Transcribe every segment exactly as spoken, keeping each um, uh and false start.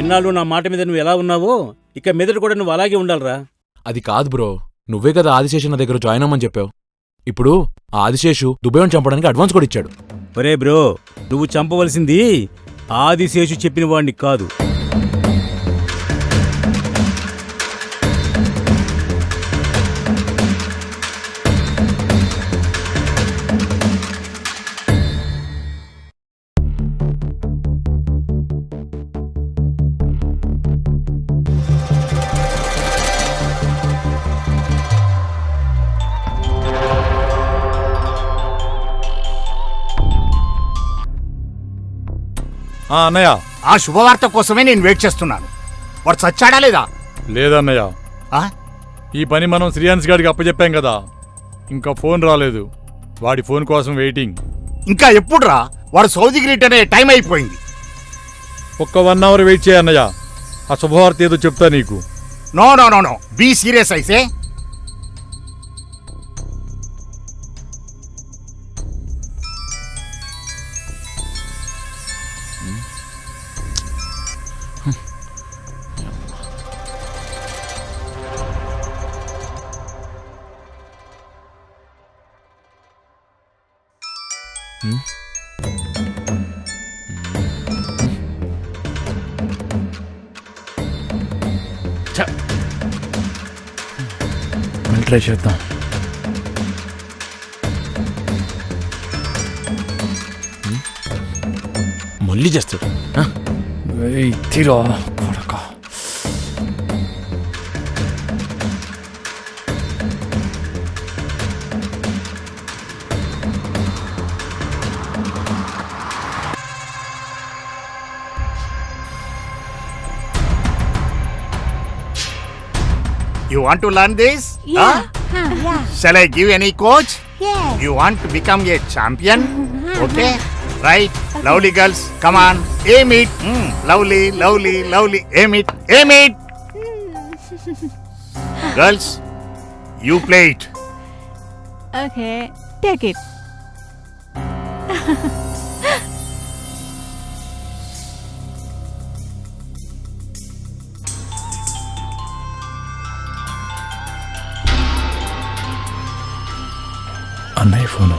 ఇన్నాళ్ళు నా మాట మీద నువ్వు ఎలా ఉన్నావో ఇక మీదట కూడా నువ్వు అలాగే ఉండాలిరా. అది కాదు బ్రో, నువ్వే కదా ఆదిశేషు నా దగ్గర జాయిన్ అవ్వమని చెప్పావు. ఇప్పుడు ఆ ఆదిశేషు దుబేని చంపడానికి అడ్వాన్స్ కూడా ఇచ్చాడు. ఒరే బ్రో, నువ్వు చంపవలసింది ఆదిశేషు చెప్పిన వాడిని కాదు. అన్నయ్య, ఆ శుభవార్త కోసమే నేను వెయిట్ చేస్తున్నాను. వాడు చచ్చాడా లేదా? లేదన్నయ్య, ఈ పని మనం శ్రీయాన్స్ గారికి అప్పచెప్పాం కదా, ఇంకా ఫోన్ రాలేదు. వాడి ఫోన్ కోసం వెయిటింగ్. ఇంకా ఎప్పుడు రా? వాడు సౌదీకి రిటర్న్ అయ్యే టైం అయిపోయింది. ఒక్క వన్ అవర్ వెయిట్ చేయన్నయ్య, ఆ శుభవార్త ఏదో చెప్తా నీకు. No no no no be serious అయితే. ట్రై చేద్దాం. మళ్ళీ చేస్తాడు. తీరా కొడక. You want to learn this? Yeah. Huh? Huh, yeah. Shall I give any coach? Yes. You want to become a champion? Okay. Right. Lovely girls, come on. Aim it. Mm. Lovely, lovely, lovely. Aim it. Aim it. Girls, you play it. Okay. Take it. అన్నయ్య phone.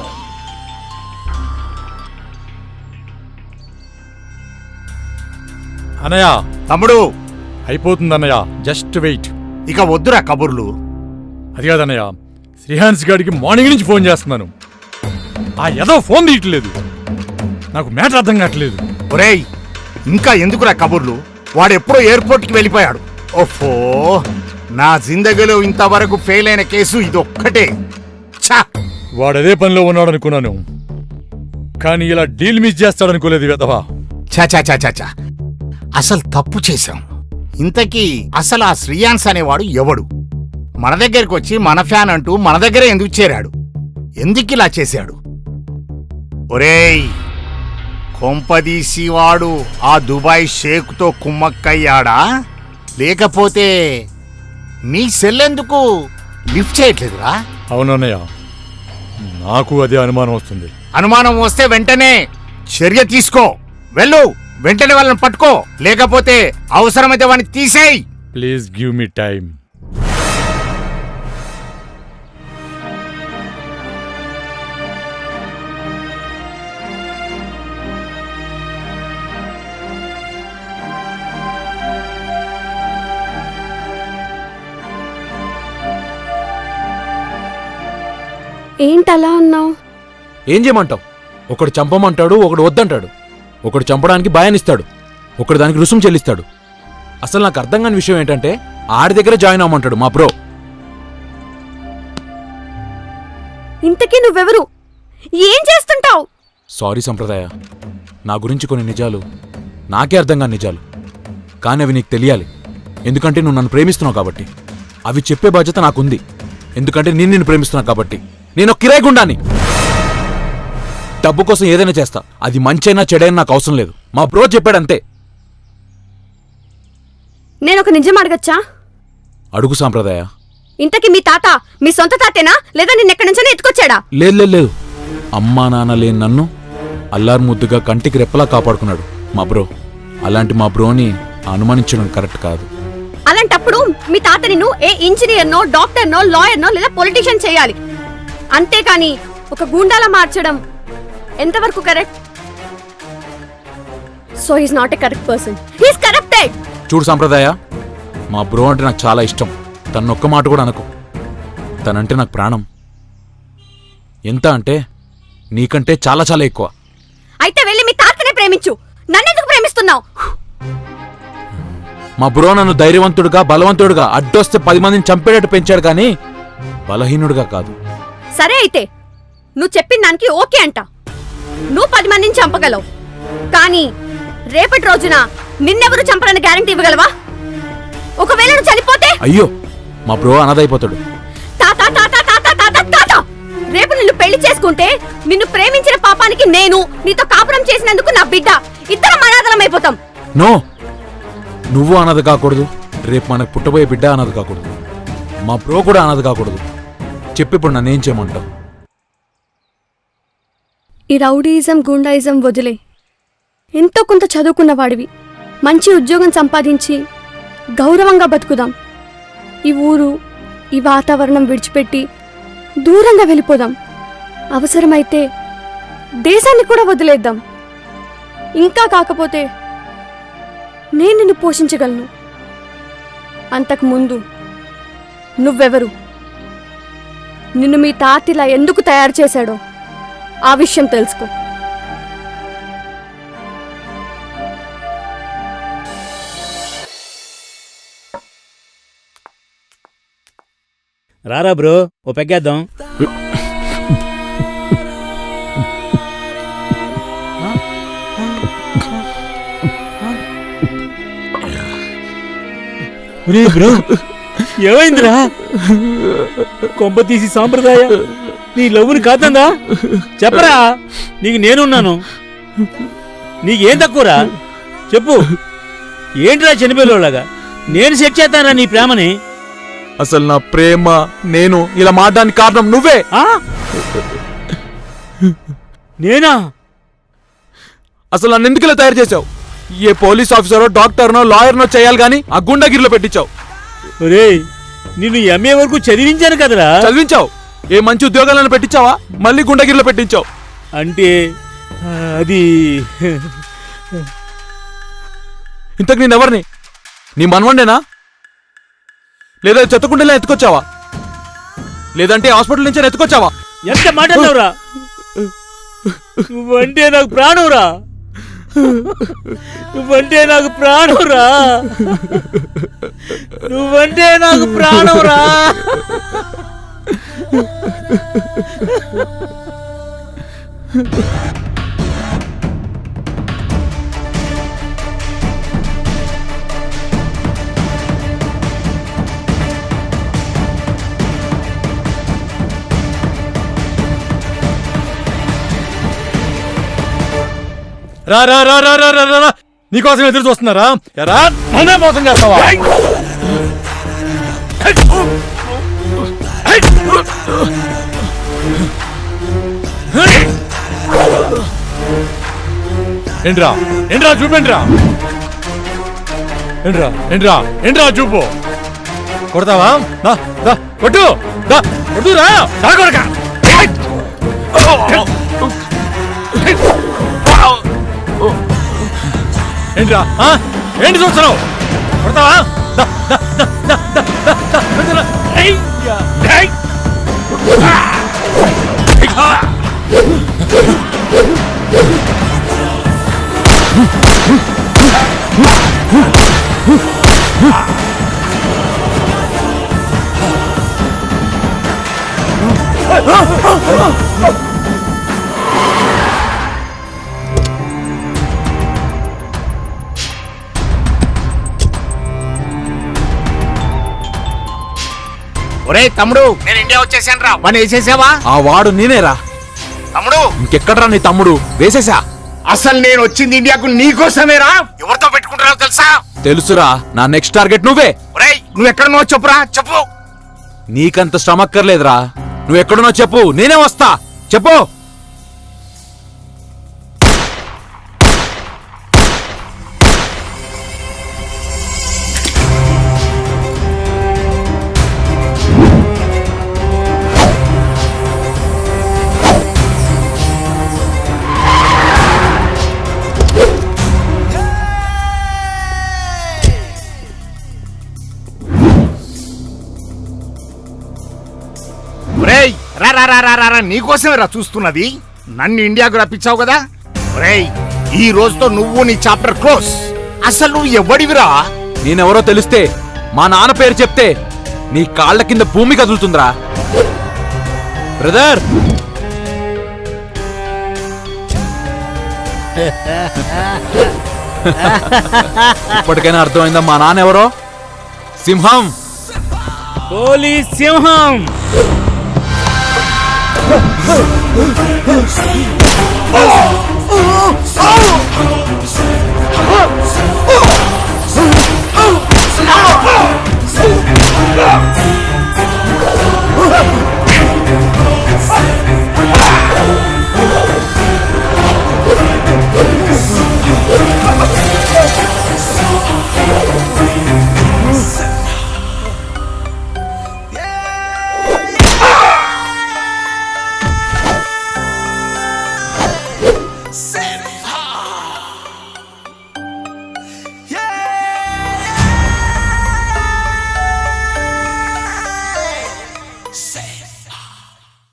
అన్నయ్య, తమ్ముడు అయిపోతుంది అన్నయ్య, just wait. ఇక వద్దురా కబుర్లు. అది కాదన్నయ్య, శ్రీహాన్స్ గారికి మార్నింగ్ నుంచి ఫోన్ చేస్తున్నాను, ఆ ఏదో ఫోన్ తీయట్లేదు. నాకు మ్యాటర్ అర్థం కావట్లేదు. ఒరేయ్, ఇంకా ఎందుకురా కబుర్లు? వాడు ఎప్పుడో ఎయిర్పోర్ట్కి వెళ్ళిపోయాడు. ఓఫో, నా జిందగీలో ఇంతవరకు ఫెయిల్ అయిన కేసు ఇదొక్కటే. ఛా, వాడదే పనిలో ఉన్నాడు అనుకున్నాను, కానీ ఇలా డీల్ మిస్ చేస్తాడనుకోలేదు వెధవా. చా చా చా చా చా అసలు తప్పు చేశాం. ఇంతకీ అసలు ఆ శ్రీయాన్స్ అనేవాడు ఎవడు? మన దగ్గరికి వచ్చి మన ఫ్యాన్ అంటూ మన దగ్గర ఎందుకు చేరాడు? ఎందుకు ఇలా చేశాడు? ఒరేయ్, కొంపదీసి వాడు ఆ దుబాయ్ షేక్తో కుమ్మక్కయ్యాడా? లేకపోతే నీ సెల్లెందుకు లిఫ్ట్ చేయట్లేదురా? అవునన్నయ్య, నాకు అదే అనుమానం వస్తుంది. అనుమానం వస్తే వెంటనే చర్య తీసుకో. వెళ్ళు, వెంటనే వాళ్ళని పట్టుకో, లేకపోతే అవసరమైతే వాడిని తీసేయ్. Please give me time. ఏంటలా ఉన్నావు? ఏం చేయమంటావు? ఒకడు చంపమంటాడు, ఒకడు వద్దంటాడు. ఒకడు చంపడానికి భయాన్నిస్తాడు, ఒకడు దానికి రుసుము చెల్లిస్తాడు. అసలు నాకు అర్థం కాని విషయం ఏంటంటే ఆడి దగ్గర జాయిన్ అవ్వమంటాడు మా బ్రో. ఇంతకీ నువ్వెవరు? ఏం చేస్తుంటావు? సారీ సంప్రదాయ, నా గురించి కొన్ని నిజాలు నాకే అర్థం కాని నిజాలు, కానీ అవి నీకు తెలియాలి. ఎందుకంటే నువ్వు నన్ను ప్రేమిస్తున్నావు కాబట్టి. అవి చెప్పే బాధ్యత నాకుంది, ఎందుకంటే నేను నిన్ను ప్రేమిస్తున్నా కాబట్టి. నేను కిరాయి గుండాని. డబ్బు కోసం ఏదైనా చేస్తా, అది మంచైనా చెడైనా నాకు అవసరం లేదు. మా బ్రో చెప్పాడంతే. నేనొక నిజం అడగచ్చా? అడుగు సాంప్రదాయ. ఇంతకీ మీ తాత మీ సొంత తాతేనా, లేదా నిన్నెక్కడి నుంచైనా ఎత్తుకొచ్చాడా? లేదు లేదు లేదు, అమ్మా నాన్న లేని నన్ను అల్లారు ముద్దుగా కంటికి రెప్పలా కాపాడుకున్నాడు మా బ్రో. అలాంటి మా బ్రోని అనుమానించడం కరెక్ట్ కాదు. అలాంటప్పుడు మీ తాత నిన్ను ఏ ఇంజనీర్నో డాక్టర్నో లాయర్నో లేదా పొలిటీషియన్ చేయాలి, అంతేకాని ఒక గూండాలా మార్చడం ఎంతవరకు correct? So he's not a correct person, he's corrupted. చూడు సాంప్రదాయ, మా బ్రో అంటే నాకు చాలా ఇష్టం. తనొక్క మాట కూడా అనకు. తనంటే నాకు ప్రాణం. ఎంత అంటే నీకంటే చాలా చాలా ఎక్కువ. అయితే వెళ్ళి మీ తాతనే ప్రేమించు, నన్నెందుకు ప్రేమిస్తున్నావు? మా బ్రో నన్ను ధైర్యవంతుడుగా బలవంతుడుగా అడ్డొస్తే పది మందిని చంపేటట్టు పెంచాడు కానీ బలహీనుడుగా కాదు. సరే అయితే నువ్వు చెప్పిన దానికి ఓకే అంట. నువ్వు పది మందిని చంపగలవు, కానీ రేపటి రోజున నిన్నెవరు చంపరని గ్యారంటీ ఇవ్వగలవా? ఒకవేళ నువ్వు చనిపోతే? అయ్యో, మా బ్రో అనాథైపోతాడు. తాత తాత తాత తాత తాత రేపు నిన్ను పెళ్లి చేసుకుంటే నిన్ను ప్రేమించిన పాపానికి నేను, నీతో కాపురం చేసినందుకు నా బిడ్డ, ఇద్దరం అనాథలం అయిపోతాం. నో, నువ్వు అనాథ కాకూడదు, రేపు మనకు పుట్టబోయే బిడ్డ అనాథ కాకూడదు, మా బ్రో కూడా అనాథ కాకూడదు. చెప్పిప్పుడు నన్నేం చేయమంటావు? ఈ రౌడీయిజం గుండాయిజం వదిలే, ఎంతో కొంత చదువుకున్న వాడివి, మంచి ఉద్యోగం సంపాదించి గౌరవంగా బతుకుదాం. ఈ ఊరు, ఈ వాతావరణం విడిచిపెట్టి దూరంగా వెళ్ళిపోదాం. అవసరమైతే దేశాన్ని కూడా వదిలేద్దాం. ఇంకా కాకపోతే నేను నిన్ను పోషించగలను. అంతకు ముందు నువ్వెవరు, నిన్ను మీ తాతిలా ఎందుకు తయారు చేశాడో ఆ విషయం తెలుసుకో. రారా బ్రో, ఓ పెగ్గేద్దాం. బ్రో ఏమైందిరా? కొంప తీసి సాంప్రదాయ నీ లవ్వుని కాదందా? చెప్పరా, నీకు నేనున్నాను. నీకేం తక్కువరా చెప్పు. ఏంటిరా చనిపోయేలాగా? నేను సెట్ చేస్తానరా నీ ప్రేమని. అసలు నా ప్రేమ నేను ఇలా మాట్లాడడానికి కారణం నువ్వే. నేనా? అసలు నన్ను ఎందుకు ఇలా తయారు చేసావు? ఏ పోలీస్ ఆఫీసరో డాక్టర్నో లాయర్నో చేయాలి గాని ఆ గుండాగిరిలో పెట్టించావు. ఒరేయ్, నిన్ను ఎంఏ వరకు చదివించాను కదరా. చదివించావు, ఏ మంచి ఉద్యోగాలను పెట్టించావా? మళ్ళీ గుండాగిరిలో పెట్టించావు. అంటే అది ఇంతకు నేనెవరిని? నీ మనవండేనా? లేదా చెత్తకుండేలా ఎత్తుకొచ్చావా? లేదంటే హాస్పిటల్ నుంచి ఎత్తుకొచ్చావా? ఎంత మాట్లాడవురా? నువ్వంటే నాకు ప్రాణంరా, నువ్వంటే నాకు ప్రాణంరా, నువ్వంటే నాకు ప్రాణంరా. రా రా రా రా రా రా రా నీకోసం ఎదురు చూస్తున్నారా? ఎరా నన్నే మోసం చేస్తావా? ఏంట్రా ఏంట్రా చూపేంట్రా, ఏంట్రా ఏంట్రా ఏంట్రా చూపు. కొడతావా? దా దా కొట్టు, దా కొట్టురా, దా కొడక. ఏంట్రా ఏంటి చూస్తున్నావు? కొడతావా? ఒరే తమ్ముడు, నేను ఇండియా వచ్చేసాను రా. వన్ వేసేసావా? ఆ వాడు నేనేరా. తమ్ముడు ఇంకెక్కడరా నీ తమ్ముడు? వేసేసా. అసలు నేను వచ్చింది ఇండియాకు నీకోసమేరా. ఎవరితో పెట్టుకుంటున్నావు తెలుసా? తెలుసురా, నా నెక్స్ట్ టార్గెట్ నువ్వే. ఒరేయ్, నువ్వు ఎక్కడున్నావు చెప్పురా, చెప్పు. నీకంత శ్రమక్కర్లేదురా, నువ్వు ఎక్కడున్నావు చెప్పు, నేనే వస్తా. చెప్పు. రేయ్ రా రా రా రా రా రా, నీకోసమే రా చూస్తున్నది. నన్ను ఇండియాకు రప్పించావు కదా. రేయ్ ఈ రోజుతో నువ్వు నీ చాప్టర్ క్లోజ్. అసలు నువ్వు ఎవడివిరా? నేనెవరో తెలిస్తే మా నాన్న పేరు చెప్తే నీ కాళ్ళ కింద భూమి కదులుతుందిరా. బ్రదర్ ఇప్పటికైనా అర్థమైందా మా నాన్న ఎవరో? సింహం. పోలీస్ సింహం. Oh!